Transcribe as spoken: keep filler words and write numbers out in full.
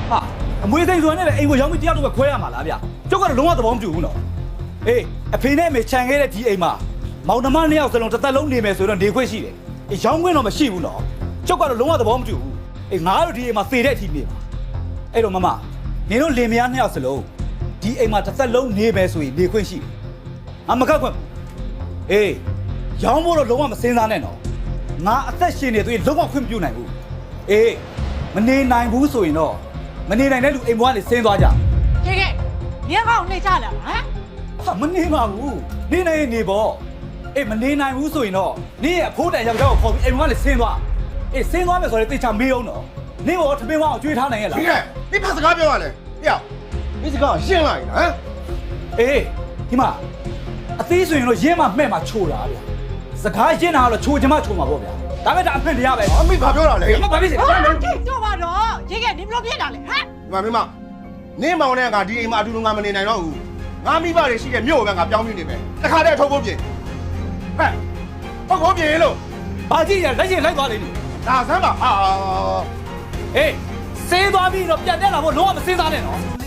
ဟာအမွေစိန်ဆိုရင်လည်းအိမ်ကိုရောင်းပြီးတရားတော့ပဲခွဲရမှာလားဗျကျုပ်ကတော့လုံးဝသဘောမတူဘူးနော်အေးအဖေနဲ့အမေခြံခဲ့တဲ့ဒီအိမ်မှာမောင်နှမနှစ်ယောက်စလုံးတစ်သက်လုံးနေမယ်ဆိုတော့နေခွင့်ရှိတယ်အေးရောင်းခွင့်တော့မရှိဘူးနော်ကျုပ်ကတော့လုံးဝသဘောမတူဘူးအေးငါတို့ဒီအိမ်မှာသေတဲ့အထိနေပါအဲ့တော့မမနင်တို့လင်မယားနှစ်ယောက်စလုံးဒီအိမ်မှာတစ်သက်လုံးနေမယ်ဆိုရင်နေခွင့်ရှိတယ်ငါမကတ်ခွင့်အေးရောင်းဖို့တော့လုံးဝမစင်စားနဲ့နော်ငါအသက်ရှင်နေသွေးလုံးဝခွင့်မပြုနိုင်ဘူးအေးမနေနိုင်ဘူးဆိုရင်တော့မနေနိုင်တဲ့လူအိမ်ဘွားကနေဆင်းသွားကြကဲကဲညကောင်းနေကြလားဟမ်ဟာမနေပါဘူးနေနိုင်ရင်နေပေါ့အေးမနေနိုင်ဘူးဆိုရင်တော့နေရဲ့အဖိုးတန်ယောက်ျားကိုခေါ်ပြီးအိမ်ဘွားကနေဆင်းသွားအေးဆင်းသွားမယ်ဆိုရင်တေချာမေးအောင်တော့နေဘောထမင်းဝအောင်ကြွေးထားနိုင်ရဲ့လားဒီကဒီဖတ်စကားပြောရလဲဟေ့ဒီစကားရှင်းလိုက်ဟမ်အေးဒီမှာအသေးဆိုရင်တော့ရင်းမမှဲ့မှာချိုတာဗျာစကားရင်းတာကတော့ချိုချင်မှချိုမှာပေါ့ဗျာဒါပေမဲ့ဒါအမှန်တရားပဲအမေဘာပြောတာလဲမဘာဖြစ်လဲဟာတိတ်တော့ပါတော့ရေကနင်ဘလို့ပြစ်တာလဲဟမ်ဒီမှာမင်းမနင်းမောင်နဲ့ငါဒီအိမ်မှာအတူတူငါမနေနိုင်တော့ဘူးငါမိဘတွေရှိတဲ့မြို့ကငါပြောင်းပြီးနေမယ်တခါတည်းထုတ်ဖို့ပြင်ဟဲ့ထုတ်ဖို့ပြင်လို့ဘာကြည့်ရလက်ရင်လိုက်သွားလေနေဒါဆမ်းပါအာအေးစေးသွားပြီးတော့ပြန်တက်လာဖို့လုံးဝမစင်းစားနဲ့နော်